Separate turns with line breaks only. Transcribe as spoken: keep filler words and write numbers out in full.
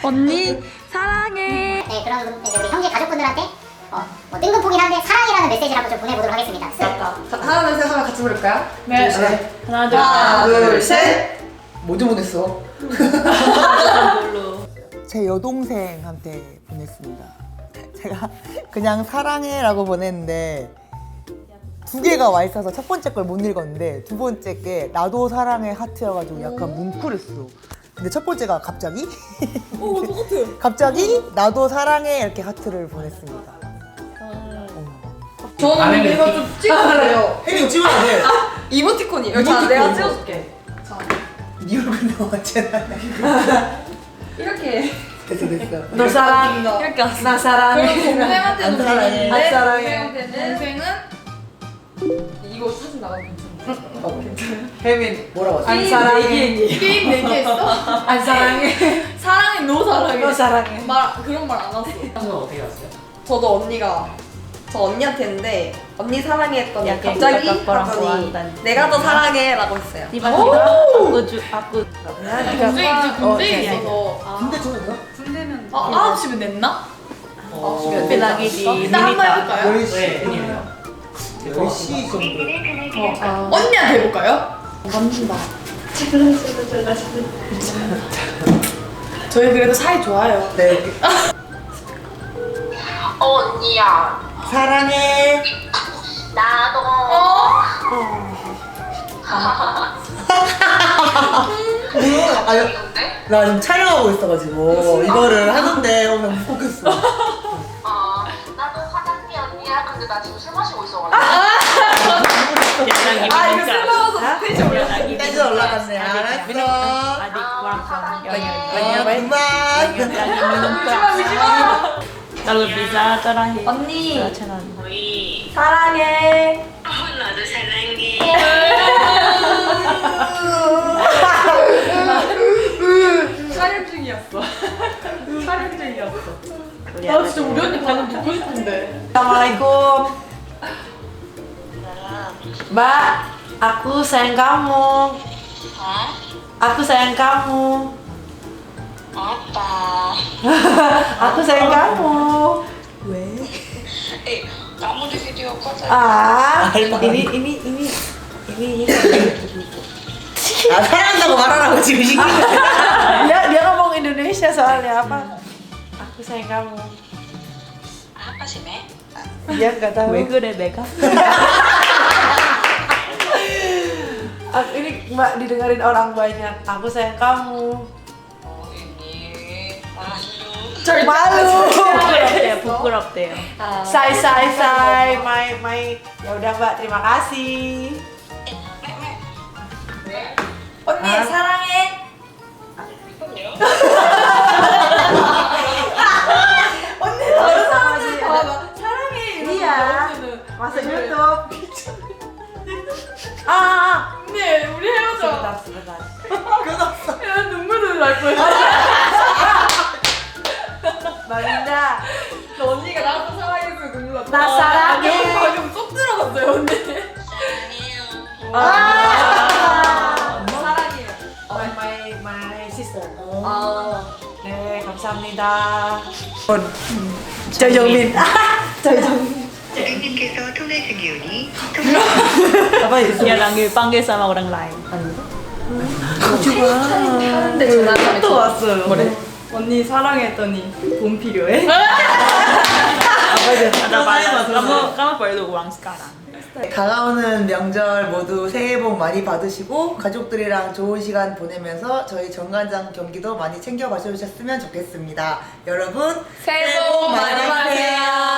언니 사랑해.
네, 그럼 이제 우리 형제 가족분들한테 어, 뭐 뜬금포긴 한데 사랑이라는 메시지를 한번 좀 보내보도록 하겠습니다.
맞다. 자, 하나 둘 셋 하면 같이 부를까요?
네.
둘, 셋.
하나 둘
하나
셋.
둘 셋. 뭐좀 보냈어?
뭘로?
제 여동생한테 보냈습니다. 제가 그냥 사랑해라고 보냈는데 두 개가 와 있어서 첫 번째 걸 못 읽었는데 두 번째 게 나도 사랑해 하트여가지고 약간 뭉클했어. 근데 첫 번째가 갑자기
오 똑같아.
갑자기 나도 사랑해 이렇게 하트를 보냈습니다.
저는 이거 좀 찍어주세요.
혜민 찍어야 돼.
이모티콘이에요. 자, 내가 찍어줄게. 자,
네 얼굴 나왔잖아.
이렇게.
됐어 됐어.
너 사랑.
이렇게 왔어.
나 사랑해.
그럼 동생한테는
안 사랑해.
보내는데
안 사랑해.
동생한테는 동생은
이거 사진 나가도 괜찮아.
어, 괜찮아. 혜민 뭐라고 왔어?
안 사랑해.
게임 내기했어?
안 사랑해.
사랑해 너 사랑해.
너 사랑해.
말 그런 말 안 왔어.
형은 어떻게 왔어요?
저도 언니가 저 언니한테 했는데 언니 사랑해 했더니
약간
갑자기
kakak
하더니
좋아한다는.
내가 더 사랑해 라고 했어요.
tiba-tiba aku ju aku
동생이
이제 군대에
어,
있어서
군대 전화가?
군대는 아 아홉 시면 냈나?
어,
tapi lagi di
일단 한번 해볼까요?
열 시.
네, 팬이에요.
열 시 정도.
언니한테 해볼까요?
만진다.
저희 그래도 사이 좋아요.
네.
어, 언니야.
사랑해.
나도.
아, 여- 나 지금 촬영하고 있어가지고 이거를 하는데 오면 못 보겠어.
어, 나도 화장미 언니야. 근데 나 지금 술 마시고 있어가지고.
아 이거 슬퍼서 텐션 올려.
텐션 올라갔네. 알았어.
adik kurang
어, 그만.
미지마 미지마.
kalau bisa terakhir
언니
채널
사랑해.
나도 사랑해.
촬영 중이었어. 촬영 중이었어.
나 진짜 우리 언니 반응 듣고 싶은데.
Assalamualaikum. Mbak, aku sayang kamu.
Hah?
Aku sayang kamu.
apa?
Aku sayang kamu.
Eh, kamu di video call tadi.
Ah, ini ini ini ini.
아, 사랑한다고 말하라고 지금 시키는 거야.
dia dia ngomong Indonesia soalnya apa? Aku sayang kamu.
Apa sih, Me?
Dia nggak tahu.
왜 그래 내가?
Aku, ini mbak didengarin orang banyak. Aku sayang kamu.
Oh, ini. Malu.
Malu.
부끄럽대요 부끄럽대요.
Say say say. My my. Ya udah mbak, terima kasih. 언니 사랑해. 언니 다른 사람들 봐봐. 사랑해 이러는데 언니는 masuk YouTube. 아, 아.
언니 우리 헤어져.
sebentar sebentar.
야 눈물을 날 뻔했어.
Mbak Linda.
너 언니가 나도 사랑해서 눈물 났다.
나 사랑해.
방금 방금 쏙 들어갔어요 언니.
사랑해요.
아. 사랑해요. My my my sister.
아.
네, 감사합니다. 저정민. 저정민.
고객님께서 통화 중이오니
apa itu?
Dia lagi panggil sama orang lain.
하는데 전화가 또 왔어요. 뭐래?
언니 사랑했더니 돈 필요해?
apa
Ada kamu kamu perlu uang sekarang.
다가오는 명절 모두 새해 복 많이 받으시고 가족들이랑 좋은 시간 보내면서 저희 정관장 경기도 많이 챙겨 봐주셨으면 좋겠습니다. 여러분
새해 복 많이 받으세요.